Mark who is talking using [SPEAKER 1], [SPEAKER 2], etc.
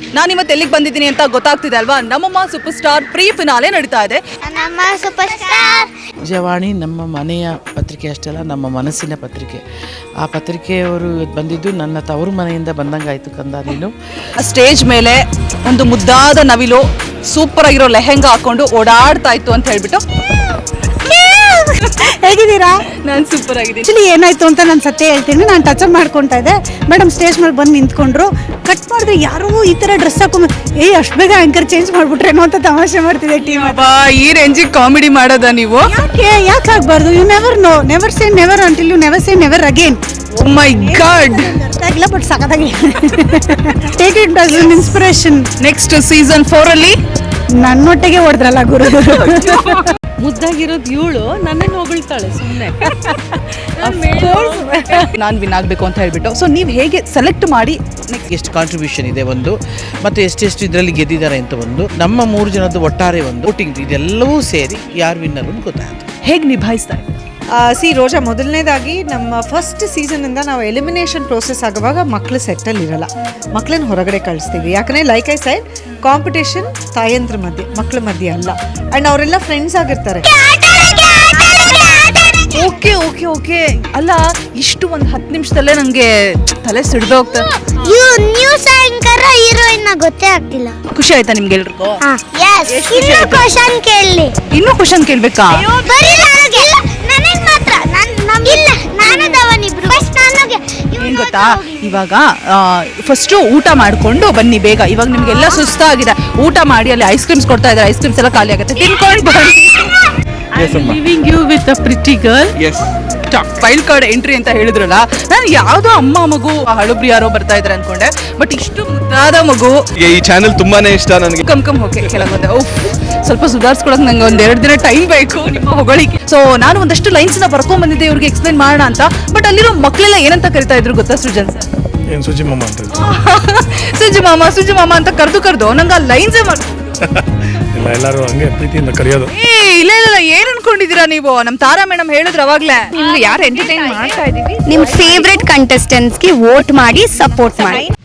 [SPEAKER 1] ನಾನು ಇವತ್ತು ಎಲ್ಲಿಗೆ ಬಂದಿದ್ದೀನಿ ಅಂತ ಗೊತ್ತಾಗ್ತಿದೆ ಅಲ್ವಾ? ನಮ್ಮಮ್ಮ ಸೂಪರ್ ಸ್ಟಾರ್ ಪ್ರೀ ಫಿನಾಲೆ ನಡೀತಾ ಇದೆ.
[SPEAKER 2] ನಮ್ಮ ಸೂಪರ್ ಸ್ಟಾರ್
[SPEAKER 3] ಜವಾಣಿ ನಮ್ಮ ಮನೆಯ ಪತ್ರಿಕೆ ಅಷ್ಟೇ ಅಲ್ಲ, ನಮ್ಮ ಮನಸ್ಸಿನ ಪತ್ರಿಕೆ. ಆ ಪತ್ರಿಕೆಯವರು ಬಂದಿದ್ದು ನನ್ನ ತವರು ಮನೆಯಿಂದ ಬಂದಂಗಾಯ್ತು ಕಂದ. ನೀನು
[SPEAKER 1] ಸ್ಟೇಜ್ ಮೇಲೆ ಒಂದು ಮುದ್ದಾದ ನವಿಲು ಸೂಪರ್ ಆಗಿರೋ ಲೆಹೆಂಗಾ ಹಾಕೊಂಡು ಓಡಾಡ್ತಾ ಇತ್ತು ಅಂತ ಹೇಳ್ಬಿಟ್ಟು.
[SPEAKER 4] ಹೇಗಿದ್ದೀರಾ?
[SPEAKER 1] ನಾನು ಸೂಪರ್ ಆಗಿದ್ದೀನಿ.
[SPEAKER 4] ಆಕ್ಚುಲಿ ಏನಾಯ್ತು ಅಂತ ನಾನು ಸತ್ಯ ಹೇಳ್ತೀನಿ. ನಾನು ಟಚ್ ಅಪ್ ಮಾಡ್ಕೊತಾ ಇದ್ದೆ, ಮೇಡಮ್ ಸ್ಟೇಜ್ ಮೇಲೆ ಬಂದು ನಿಂತ್ಕೊಂಡ್ರು. ಕಟ್ ಮಾಡಿದ್ರೆ ಯಾರೋ ಈ ತರ ಡ್ರೆಸ್ ಹಾಕೊಂಡ್ ಅಷ್ಟು ಬೇಗ ಆಂಕರ್ ಚೇಂಜ್ ಮಾಡ್ಬಿಟ್ರೇನೋ ಅಂತ ತಮಾಷೆ ಮಾಡ್ತಿದೆ ಟೀಮ್.
[SPEAKER 1] ಈ ರೇಂಜಿಗೆ ಕಾಮಿಡಿ ಮಾಡೋದ ನೀವು?
[SPEAKER 4] ಯಾಕೆ ಆಗ್ಬಾರ್ದು? You never know, never say never until you never say never again.
[SPEAKER 1] Oh my god,
[SPEAKER 4] ಅರ್ಥ ಆಗಿಲ್ಲ ಬಟ್ ಸಖತ್ತಾಗಿ take it as an inspiration.
[SPEAKER 1] Next season 4 ಅಲ್ಲಿ
[SPEAKER 4] ನನ್ನೊಟ್ಟಿಗೆ ಹೊಡೆದ್ರಲ್ಲ ಗುರು.
[SPEAKER 5] ಮುದ್ದಾಗಿರೋದು ಇವಳು ನನ್ನನ್ನು ಹೊಗಳ್ತಾಳೆ ಸುಮ್ಮನೆ.
[SPEAKER 1] ನಾನು ವಿನ್ ಆಗಬೇಕು ಅಂತ ಹೇಳ್ಬಿಟ್ಟು. ಸೊ ನೀವು ಹೇಗೆ ಸೆಲೆಕ್ಟ್ ಮಾಡಿ
[SPEAKER 3] ಎಷ್ಟು ಕಾಂಟ್ರಿಬ್ಯೂಷನ್ ಇದೆ ಒಂದು, ಮತ್ತು ಎಷ್ಟೆಷ್ಟು ಇದರಲ್ಲಿ ಗೆದ್ದಿದ್ದಾರೆ ಅಂತ ಒಂದು, ನಮ್ಮ 3 ಜನದ ಒಟ್ಟಾರೆ ಒಂದು ವೋಟಿಂಗ್ ಇದೆಲ್ಲವೂ ಸೇರಿ ಯಾರು ವಿನ್ನರ್ ಅಂತ ಗೊತ್ತಾಯ್ತು.
[SPEAKER 1] ಹೇಗೆ ನಿಭಾಯಿಸ್ತಾರೆ?
[SPEAKER 5] ರೋಜಾ, ಮೊದಲನೇದಾಗಿ ನಮ್ಮ ಫಸ್ಟ್ ಸೀಸನಿಂದ ನಾವು ಎಲಿಮಿನೇಷನ್ ಪ್ರೋಸೆಸ್ ಆಗುವಾಗ ಮಕ್ಕಳು ಸೆಟ್ಟಲ್ಲಿ ಇರಲ್ಲ, ಮಕ್ಕಳನ್ನ ಹೊರಗಡೆ ಕಳಿಸ್ತೀವಿ. ಯಾಕಂದರೆ ಲೈಕ್ ಐ ಸೈಡ್, ಕಾಂಪಿಟೇಷನ್ ತಾಯಂದ್ರ ಮಧ್ಯೆ, ಮಕ್ಕಳ ಮಧ್ಯೆ ಅಲ್ಲ. ಆ್ಯಂಡ್ ಅವರೆಲ್ಲ ಫ್ರೆಂಡ್ಸ್ ಆಗಿರ್ತಾರೆ.
[SPEAKER 1] Okay okay okay. ಅಲ್ಲ, ಇಷ್ಟು ಒಂದು 10 ನಿಮಿಷದಲ್ಲೇ ನನಗೆ ತಲೆ ಸಿಡ್ದು ಹೋಗ್ತಾರೆ.
[SPEAKER 2] ನ್ಯೂಸ್ ಆಂಕರ್ ಹೀರೋಯಿನ್ ಗೊತ್ತೇ ಆಗ್ತಿಲ್ಲ.
[SPEAKER 1] ಖುಷಿ ಆಯ್ತಾ ನಿಮ್ಗೆ ಎಲ್ರಿಗೂ?
[SPEAKER 2] ಇನ್ನು ಕ್ವಶನ್ ಕೇಳಲಿ.
[SPEAKER 1] ಇನ್ನೂ ಕ್ವಶನ್ ಕೇಳ್ಬೇಕಾ?
[SPEAKER 2] ಬರೀ ನನಗೆ ಮಾತ್ರ ಇಲ್ಲ, ನಾನು ಧವನಿಬ್ರು ಫಸ್ಟ್ ನನಗೆ.
[SPEAKER 1] ಏನ್ ಗೊತ್ತಾ, ಇವಾಗ ಫಸ್ಟ್ ಊಟ ಮಾಡ್ಕೊಂಡು ಬನ್ನಿ ಬೇಗ. ಇವಾಗ ನಿಮ್ಗೆಲ್ಲ ಸುಸ್ತಾಗಿದೆ, ಊಟ ಮಾಡಿ. ಅಲ್ಲಿ ಐಸ್ ಕ್ರೀಮ್ಸ್ ಕೊಡ್ತಾ ಇದ್ದಾರೆ, ಐಸ್ ಕ್ರೀಮ್ಸ್ ಎಲ್ಲ ಖಾಲಿ ಆಗುತ್ತೆ, ತಿನ್ಕೊಂಡು ಬನ್ನಿ.
[SPEAKER 5] Living you with a pretty girl.
[SPEAKER 1] Wild card entry ಅಂತ ಹೇಳಿದ್ರಲ್ಲ, ನಾನು ಯಾವ್ದೋ ಅಮ್ಮ ಮಗು ಹಳುಬ್ರಿ ಯಾರೋ ಬರ್ತಾ ಇದ್ದಾರೆ ಅನ್ಕೊಂಡೆ, ಬಟ್ ಇಷ್ಟು ಮುದ್ದಾದ ಮಗು.
[SPEAKER 6] ಈ ಚಾನೆಲ್ ತುಂಬಾನೇ ಇಷ್ಟ ನನಗೆ.
[SPEAKER 1] ಕಮ್ ಓಕೆ ಕೆಳಗೊಂಡೆ. ಸ್ವಲ್ಪ ಸುಧಾರಿಸ್ಕೊಳಕ್ ನಂಗೆ 2 ದಿನ ಟೈಮ್ ಬೇಕು ನಿಮ್ಮ ಹೊಗಳಿಕೆ. ಸೊ ನಾನು ಒಂದಷ್ಟು ಲೈನ್ಸ್ ನ ಬರ್ಕೊಂಡ್ ಬಂದಿದ್ದೆ ಇವ್ರಿಗೆ ಎಕ್ಸ್ಪ್ಲೈನ್ ಮಾಡೋಣ ಅಂತ. ಬಟ್ ಅಲ್ಲಿರೋ ಮಕ್ಕಳೆಲ್ಲ ಏನಂತ ಕರಿತಾ ಇದ್ರು ಗೊತ್ತಾ ಸೃಜನ್ ಸರ್?
[SPEAKER 6] ಏನ್ ಸುಜಿ ಮಾಮ ಅಂತ
[SPEAKER 1] ಸುಜಿ ಮಾಮ ಅಂತ ಕರೆದು ನಂಗೆ ಆ ಲೈನ್ಸೇ ಮಾಡ್ತಾರೆ.
[SPEAKER 6] ಇಲ್ಲ, ಎಲ್ಲರೂ ಹಂಗೆ ಪ್ರೀತಿಯಿಂದ ಕರೆಯೋದು.
[SPEAKER 1] ಇಲ್ಲ ಏನ್ ಅನ್ಕೊಂಡಿದೀರಾ ನೀವು? ನಮ್ ತಾರಾ ಮೇಡಮ್ ಹೇಳಿದ್ರು ಅವಾಗ್ಲೇ, ನಿಮ್ಗೆ ಯಾರು ಎಂಟರ್ಟೈನ್ ಮಾಡ್ತಾ ಇದೀವಿ.
[SPEAKER 2] ನಿಮ್ ಫೇವ್ರೆಟ್ ಕಂಟೆಸ್ಟೆಂಟ್ಸ್ ಗೆ ವೋಟ್ ಮಾಡಿ ಸಪೋರ್ಟ್ ಮಾಡಿ.